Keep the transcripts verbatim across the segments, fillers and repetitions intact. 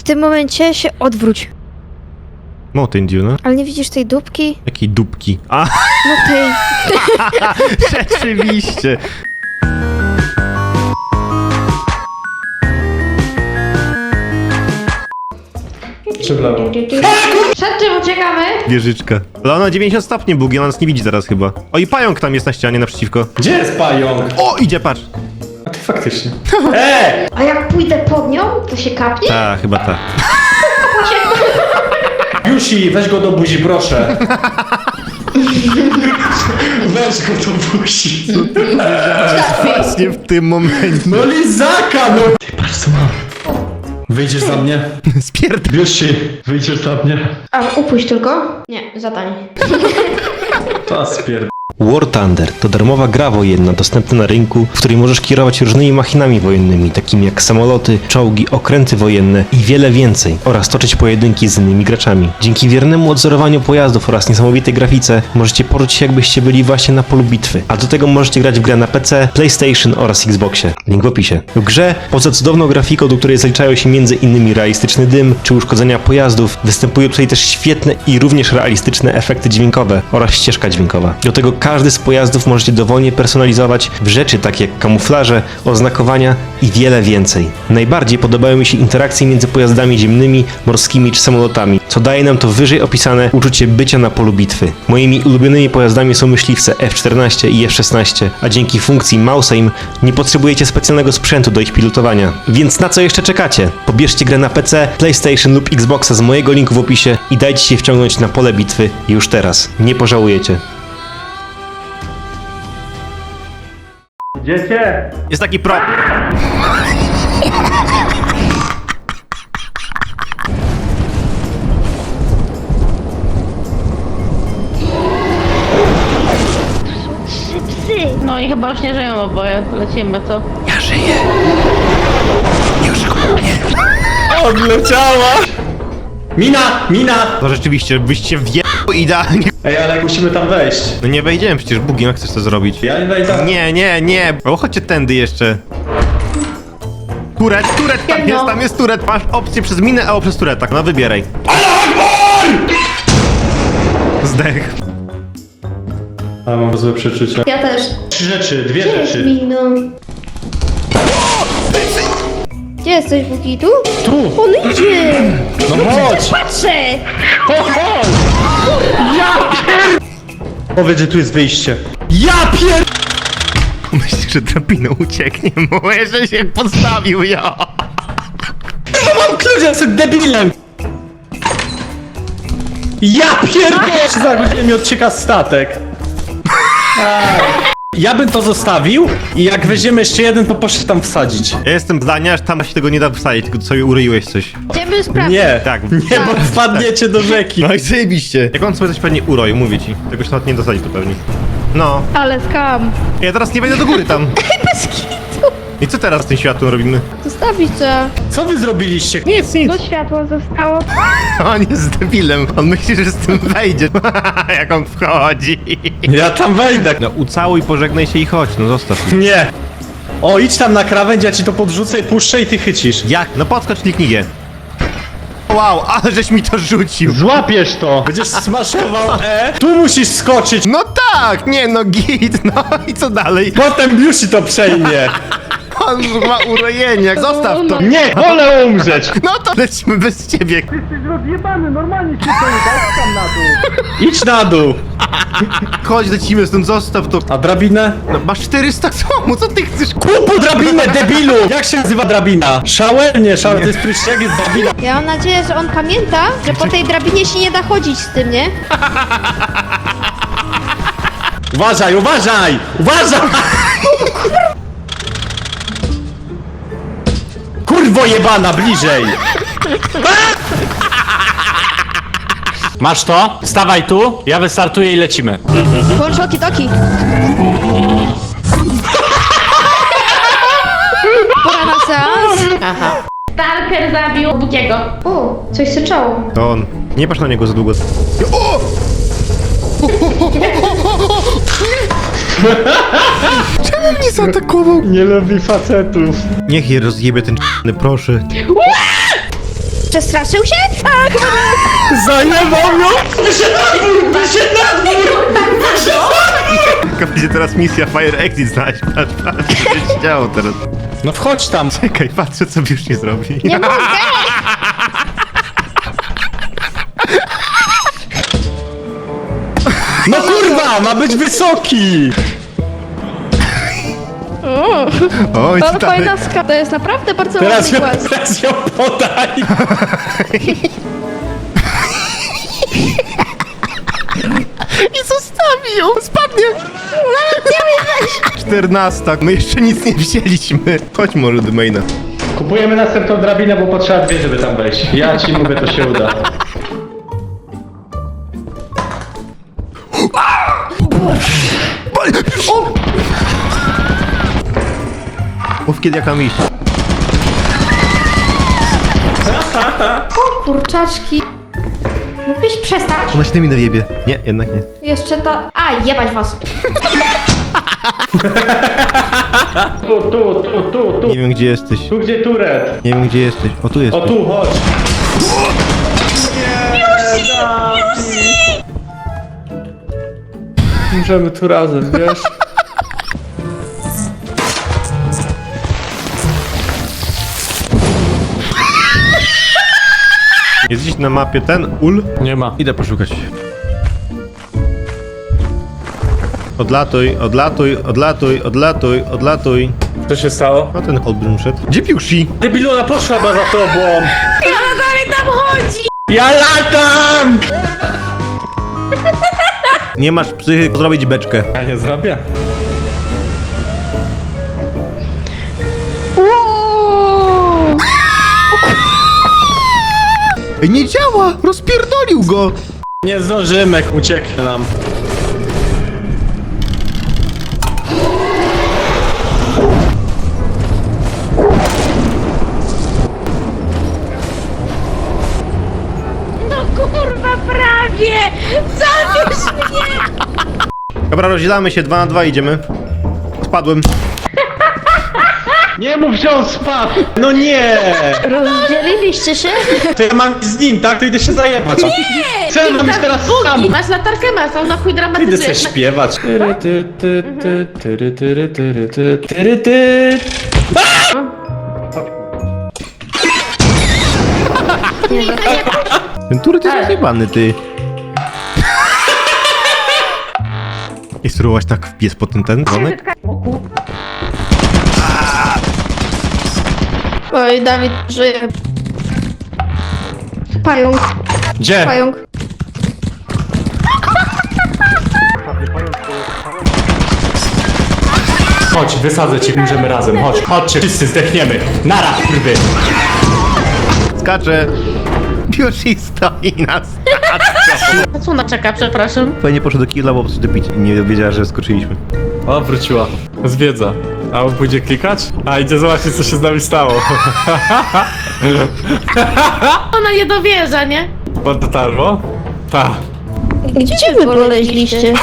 W tym momencie się odwróć. Mountain Dew, no. Ale nie widzisz tej dupki? Jakiej dupki? A, No tej. rzeczywiście. Czy w lewo? Przed czym uciekamy? Wieżyczka. Ale ona dziewięćdziesiąt stopni bugi, ona nas nie widzi teraz chyba. O, i pająk tam jest na ścianie naprzeciwko. Gdzie jest pająk? O, idzie, patrz. A ty faktycznie. Eee! A jak pójdę pod nią, to się kapnie? Ta, chyba ta. Jusi, weź go do buzi, proszę. Weź go do buzi. Właśnie w tym momencie. No lizaka, no! Ty, patrz co mam. Wyjdziesz za mnie? Spierd... Jusi, wyjdziesz za mnie? A upuść tylko? Nie, zadań. To spierd... War Thunder to darmowa gra wojenna dostępna na rynku, w której możesz kierować różnymi machinami wojennymi, takimi jak samoloty, czołgi, okręty wojenne i wiele więcej, oraz toczyć pojedynki z innymi graczami. Dzięki wiernemu odzorowaniu pojazdów oraz niesamowitej grafice możecie poczuć się, jakbyście byli właśnie na polu bitwy. A do tego możecie grać w grę na P C, PlayStation oraz Xboxie. Link w opisie. W grze, poza cudowną grafiką, do której zaliczają się między innymi realistyczny dym czy uszkodzenia pojazdów, występują tutaj też świetne i również realistyczne efekty dźwiękowe oraz ścieżka dźwiękowa. Do tego każdy z pojazdów możecie dowolnie personalizować w rzeczy takie jak kamuflaże, oznakowania i wiele więcej. Najbardziej podobają mi się interakcje między pojazdami ziemnymi, morskimi czy samolotami, co daje nam to wyżej opisane uczucie bycia na polu bitwy. Moimi ulubionymi pojazdami są myśliwce F czternaście i F szesnaście, a dzięki funkcji Mouse Aim nie potrzebujecie specjalnego sprzętu do ich pilotowania. Więc na co jeszcze czekacie? Pobierzcie grę na P C, PlayStation lub Xboxa z mojego linku w opisie i dajcie się wciągnąć na pole bitwy już teraz. Nie pożałujecie. Dziecię! Jest taki pro... No i chyba już nie żyją oboje. Lecimy, co? Ja żyję. Już go nie. Odleciała! Mina! Mina! To rzeczywiście, byście wje... idealnie. Ej, ale musimy tam wejść. No nie wejdziemy przecież, Bugi, jak chcesz to zrobić? Ja nie wejdę. Nie, nie, nie. O, chodźcie tędy jeszcze. Turet, turet, tam jest, tam jest turet. Masz opcję przez minę albo przez turet, tak, no wybieraj. Zdech. A mam złe przeczucia. Ja też. Trzy rzeczy, dwie Gdzie jest rzeczy. Mino? Gdzie jesteś, Buki? Tu? Tu! On idzie! No chodź! Patrzę! Chodź! Ja pier... Powiedz, że tu jest wyjście. Ja pier... Myślisz, że drabiną ucieknie mu, że się podstawił, ja. No mam klucz, ja jestem debilem! Ja pierdolę! Za godzinę mi odcieka statek. A. Ja bym to zostawił i jak weźmiemy jeszcze jeden, to poszedł tam wsadzić. Ja jestem zdania, że tam się tego nie da wsadzić, tylko sobie uryłeś coś. Idziemy sprawdzić. Nie, Tak. nie, bo wpadniecie do rzeki. No i zajebiście. Jak on sobie coś pewnie uroił, mówię ci. Tego się nawet nie dosadzi tu pewnie. No. Ale skam. Ja teraz nie wejdę do góry tam. Bez kitu. I co teraz z tym światłem robimy? Zostawić co? Co wy zrobiliście? Nic, nic. No światło zostało. On jest debilem. On myśli, że z tym wejdzie. Jak on wchodzi. Ja tam wejdę. No ucałuj, pożegnaj się i chodź, no zostaw. Nie. O, idź tam na krawędź, ja ci to podrzucę i puszczę i ty chycisz. Jak? No podskocz, kliknij G. Wow, ale żeś mi to rzucił. Złapiesz to! Będziesz smaszował E. Tu musisz skoczyć. No tak, nie no git, no i co dalej? Potem Biusi to przejmie. On ma urojenie, zostaw to. Nie, wolę umrzeć. No to lecimy bez ciebie. Jesteś rozjebany, normalnie się to daj tam na dół. Idź na dół. Chodź, lecimy stąd, zostaw to. A drabinę? No, masz czterysta comu, co ty chcesz? Kupu drabinę, debilu! Jak się nazywa drabina? Shower? Nie, shower to jest pryszcz, jak jest drabina? Ja mam nadzieję, że on pamięta, że po tej drabinie się nie da chodzić z tym, nie? Uważaj, uważaj! Uważaj! Kurwo jebana, bliżej! Masz to? Stawaj tu, ja wystartuję i lecimy. Włącz oki-toki. Pora na seans. Aha. Stalker zabił Bukiego. O, coś syczało. To on. Nie patrz na niego za długo. O! Czemu mnie zaatakował? Nie lubi facetów. Niech je rozjebie ten c***ny, proszę. Przestraszył się? Tak! Zajebał ją! Wyszedł na dwór! Wyszedł na dwór! Jaka będzie teraz misja Fire Exit znaleźć? Patrz, patrz, co się działo teraz. No wchodź tam! Czekaj, patrzę co już nie zrobi. Nie mogę! No kurwa! Ma być wysoki! Oj, To stary. fajna ska. To jest naprawdę bardzo Teraz ładny ją, głaz. teraz ją podaj! I zostawi ją! Spadnie! Czternasta. My jeszcze nic nie wzięliśmy. Chodź może do maina. Kupujemy następną drabinę, bo potrzeba dwie, żeby tam wejść. Ja ci mówię, to się uda. O! Mów kiedy jak mam iść. Kurczaczki. Mógłbyś przestać? Ona się tymi nawiebie. Nie, jednak nie. Jeszcze to... A, jebać was. Tu, tu, tu, tu, tu. Nie wiem gdzie jesteś. Tu gdzie turet? Nie wiem gdzie jesteś. O tu O jesteś. tu, chodź. Możemy tu razem, wiesz? Jest dziś na mapie ten ul. Nie ma. Idę poszukać. Odlatuj, odlatuj, odlatuj, odlatuj, odlatuj. Co się stało? A ten olbrzym szedł. Gdzie piusi? Debiluna poszła chyba za tobą! Ja dalej tam chodzi! Ja latam! Nie masz psychy zrobić beczkę. Ja nie zrobię. Wow. Ej, nie działa! Rozpierdolił go! Nie zdążymy, ucieknie nam. No kurwa, prawie! Zabierz mnie! Dobra, rozdzielamy się, dwa na dwa idziemy. Spadłem. Nie mów, że on spadł! No nie! Rozdzieliliście się? To ja mam z nim, tak? To idę się zajebać. Nie! Co ja mam iść teraz sam? Masz latarkę, masz, on na chuj Idę dramatycznie. sobie śpiewać. Tyry, ty, ty, ty, tyry, tyry, tyry, ty, tyry, ty. Ten turet jest rozjebany, ty. I spróbować tak wpies po ten ten dzwonek? Oj, Dawid żyje. Pająk, Gdzie? pająk. Chodź, wysadzę cię, umrzemy razem, chodź. Chodźcie, wszyscy zdechniemy. Nara, kurwy. Skacze! Piusi stoi na stacją. Na co ona czeka, przepraszam? Fajnie poszedł do killa, bo po prostu pić i nie wiedziała, że skoczyliśmy. O, wróciła. Zwiedza. A on pójdzie klikać? A, idzie zobaczyć, co się z nami stało. Ona nie dowierza, nie? Pod dotarło? Ta. Gdzie wy poleźliście?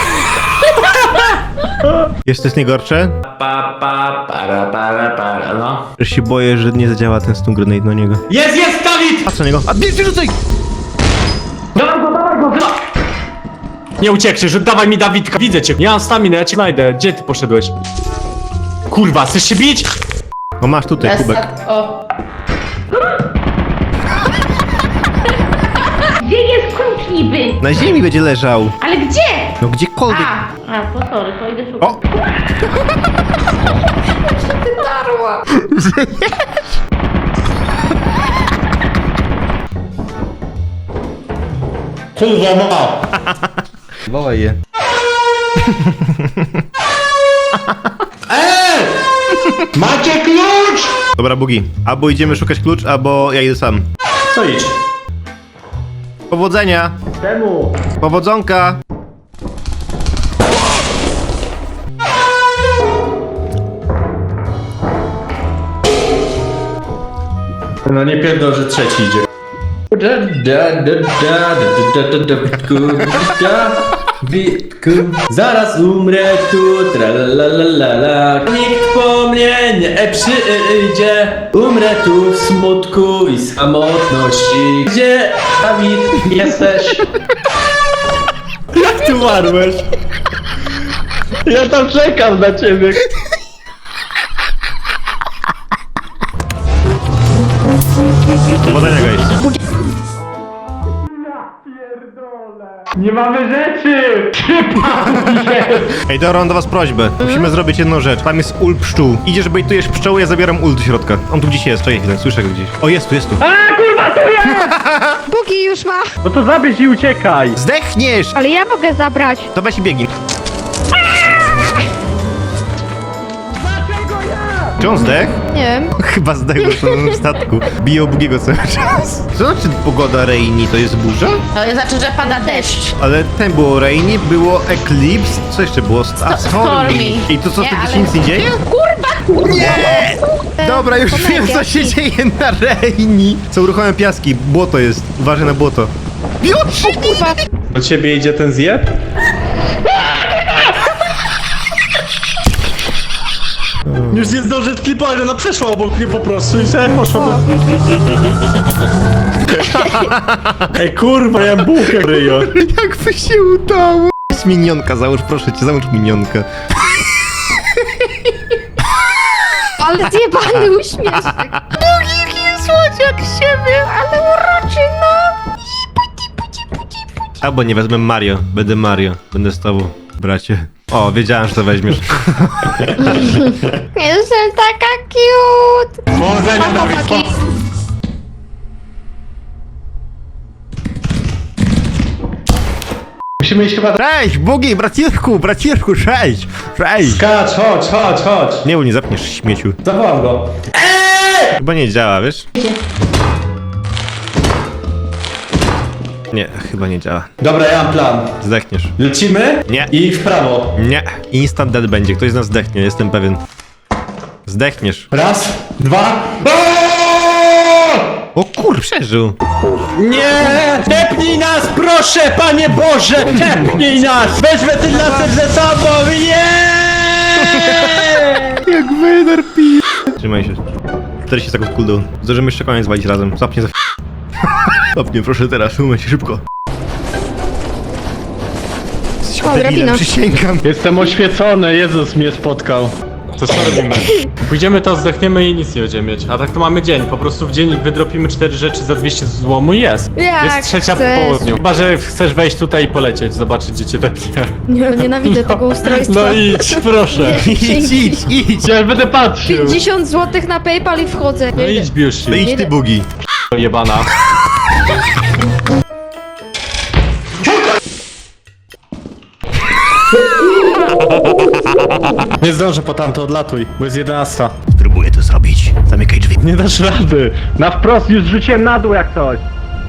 Jest to nie gorsze? Pa, pa, para, para, para, no. Że się boję, że nie zadziała ten stun grenade na niego. Jest, jest, Dawid! Patrz na niego. A bierz, rzucaj! Dawaj go, dawaj go, dawaj! Nie uciekniesz, oddawaj mi Dawidka. Widzę cię, nie mam staminy, ja cię znajdę. Gdzie ty poszedłeś? Kurwa, chcesz się bić? O, masz tutaj kubek. O. Gdzie jest klucz niby? Na ziemi będzie leżał. Ale gdzie? No gdziekolwiek. A, a, to sorry, to idę szukać. O! Darła. Kurwa, ma! Wołaj je. Eee! Macie klucz! Dobra, Bugi. Albo idziemy szukać klucz, albo ja idę sam. To idź. Powodzenia! Czemu? Powodzonka! No nie pierdol, że trzeci idzie. Da, da, da, da, da, da, da, da, da, da. Witku, zaraz umrę tu, tralalalala. Nikt po mnie nie przyjdzie. Umrę tu w smutku i samotności. Gdzie, Dawid, jesteś? Jak ty umarłeś? Ja tam czekam na ciebie. Powodzenia, guys. Nie mamy rzeczy! Ej, dobra, mam do was prośbę. Musimy zrobić jedną rzecz. Tam jest ul pszczół. Idziesz, bejtujesz pszczoły, ja zabieram ul do środka. On tu gdzieś jest, czekaj chwilę, słyszę go gdzieś. O, jest tu, jest tu. A kurwa, to ja! Bugi już ma. No to zabierz i uciekaj! Zdechniesz! Ale ja mogę zabrać. To weź i biegnij. Czy on zdech? Nie wiem. Chyba zdech na samym statku. Bije Bugiego cały czas. Co znaczy pogoda rainy? To jest burza? To znaczy, że pada deszcz. Ale ten było rainy, było eclipse, co jeszcze było? A, stormy. I to co, Nie, wtedy ale- się nic nie dzieje? Kurwa! Nie! Dobra, już Pomyłki. wiem co się dzieje na rainy. Są ruchome piaski, błoto jest. Uważaj na błoto. Już! Kurwa. Do ciebie idzie ten zjeb? Już nie zdążę sklipować, ona przeszła obok mnie po prostu i sobie poszła do... Ej kurwa, ja bułkę ryjo. Jakby się udało. Jest minionka, załóż proszę cię, załóż minionkę. Ale zjebany uśmieszek. Bugi, słodziak siebie. Ale uroczy, no. Albo nie wezmę Mario, będę Mario. Będę z tobą, bracie. O, wiedziałem, że to weźmiesz. Jestem taka cute. Powodzenia, Mam Dawid, chłopaki. Musimy iść chyba... Cześć, Bugi, braciszku, braciszku, cześć, cześć. Skacz, chodź, chodź, chodź. Nie, bo nie zapniesz śmieciu. Zawołam go. Chyba nie działa, wiesz? Nie, chyba nie działa. Dobra, ja mam plan. Zdechniesz. Lecimy? Nie. I w prawo. Nie, instant dead będzie, ktoś z nas zdechnie, jestem pewien. Zdechniesz. Raz, dwa... O kur, przeżył. Nie! Tepnij nas, proszę, Panie Boże! Tepnij nas! Weź wentylator ze sobą! Nie! Jak Vader pi... Trzymaj się. czterdzieści sekund cooldown. Zdążymy jeszcze koniec walić razem. Zapnie za... Zapnie, proszę teraz, umyj się szybko. Jesteś O, debilem, drabina. przysięgam. Jestem oświecony, Jezus mnie spotkał. To co robimy? Pójdziemy to, zdechniemy i nic nie będziemy mieć. A tak to mamy dzień. Po prostu w dzień wydropimy cztery rzeczy za dwieście złomu i jest. Jak jest trzecia po chcesz. południu. Chyba, że chcesz wejść tutaj i polecieć, zobaczyć gdzie cię tepnie. Nie, nienawidzę tego ustrojstwa. No idź, proszę. Idź, idź, idź. Ja będę patrzył. pięćdziesiąt złotych na PayPal i wchodzę. No idź, Biusi. No idź ty, Bugi. Jebana. Nie zdążę po tamto, odlatuj, bo jest jedenasta. Próbuję to zrobić. Zamykaj drzwi. Nie dasz rady. Na wprost już rzuciłem na dół jak coś.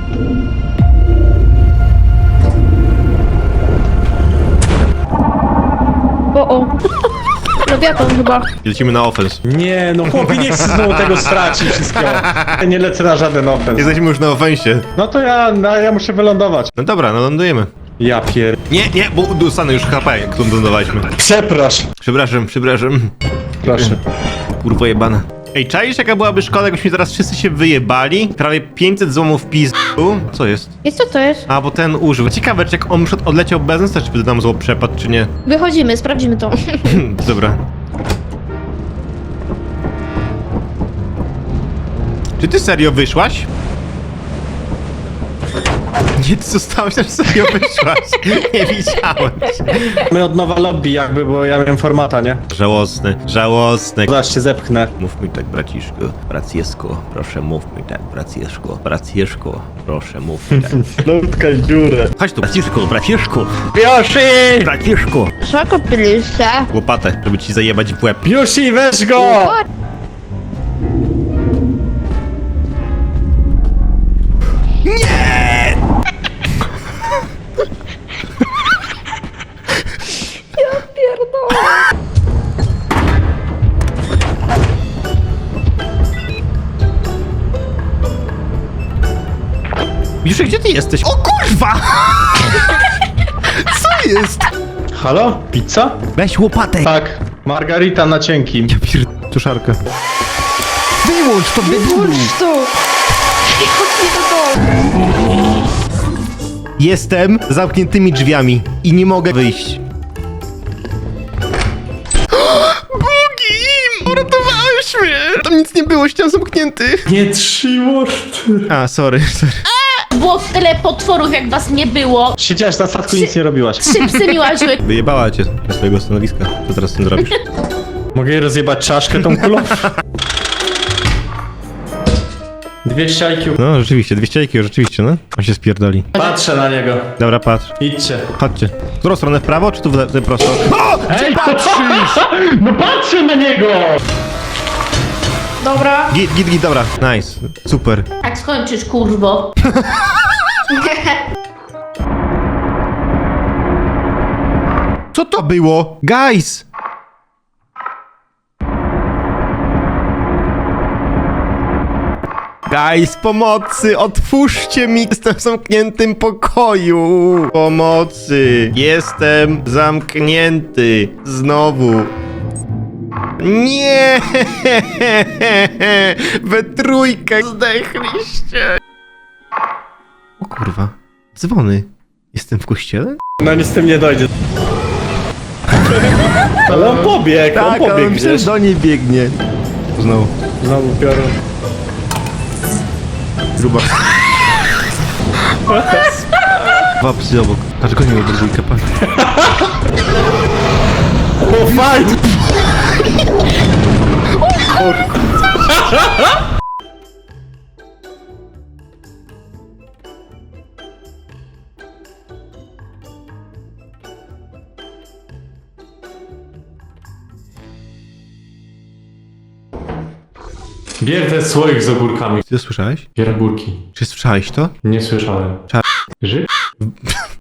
O, o. Lewiatan chyba. Lecimy na offense. Nie, no chłopie, nie chcę znowu tego stracić wszystkiego. Ja nie lecę na żaden offense. Jesteśmy już na offensie. No to ja, no, ja muszę wylądować. No dobra, no lądujemy. Ja pier... Nie, nie, bo dostanę już H P, jak tu lądowaliśmy. Przepraszam. Przepraszam, przepraszam. Proszę. Kurwa jebana. Ej, czaisz jaka byłaby szkoda, jakbyśmy teraz wszyscy się wyjebali? Prawie pięćset złomów pizdu. Co jest? I co to jest? A, bo ten użył. Ciekawe, czy jak on już odleciał bez nas, to czy by nam zło przepadł, czy nie? Wychodzimy, sprawdzimy to. Dobra. Czy ty serio wyszłaś? Nie, ty zostałeś, że serio wyszłaś. Nie widziałem cię. My od nowa lobby jakby, bo ja miałem formata, nie? Żałosny, żałosny. Zaraz cię zepchnę. Mów mi tak, braciszku, bracieszku, proszę mów mi tak, bracieszku, bracieszku, proszę mów mi tak. Lutka dziurę. Chodź tu, braciszku, braciszku, Biusi! braciszku. Co kupiliście? Łopatę, żeby ci zajebać w łeb. Biusi, weź go! Pierdolę. Już gdzie ty jesteś? O kurwa! Co jest? Halo? Pizza? Weź łopatę. Tak. Margarita na cienkim. Ja pier... Tuszarkę. Wyłącz to, wyłącz. Włóż tu! Chodź mi do domu. Jestem z zamkniętymi drzwiami i nie mogę wyjść. Bugi! Uratowałeś mnie! Tam nic nie było, ścian zamknięty. Nie trzymasz ty. A, sorry, sorry. Było tyle potworów, jak was nie było. Siedziałaś na statku i nic nie robiłaś. Trzy psy mi łaziły. Wyjebała cię ze swojego stanowiska. Co teraz z tym zrobisz? Mogę jej rozjebać czaszkę tą kulą? dwieście I Q. No, rzeczywiście, dwieście I Q, rzeczywiście, no. On się spierdoli. Patrzę na niego. Dobra, patrz. Idźcie. Chodźcie. W którą stronę, w prawo, czy tu w, le- w prosto? Ej, patrzysz! No patrzę na niego! Dobra. Git, git, git, dobra. Nice. Super. Jak skończysz, kurwo? Co to było? Guys! Guys, pomocy! Otwórzcie mi! Jestem w zamkniętym pokoju! Pomocy! Jestem zamknięty! Znowu! Nie! We trójkę zdechliście! O kurwa. Dzwony. Jestem w kościele? No nic z tym nie dojdzie. Ale on pobiegł, on Tak, ale pobiegł myślę, gdzieś. że do niej biegnie. Znowu. Znowu piorun. Gruba. Dwa psy obok. Patrz, go nie ma dwójkę, patrz. O, fight! Bierdę słoik z ogórkami. Ty to słyszałeś? Bier ogórki. Czy słyszałeś to? Nie słyszałem. Cza- Ży?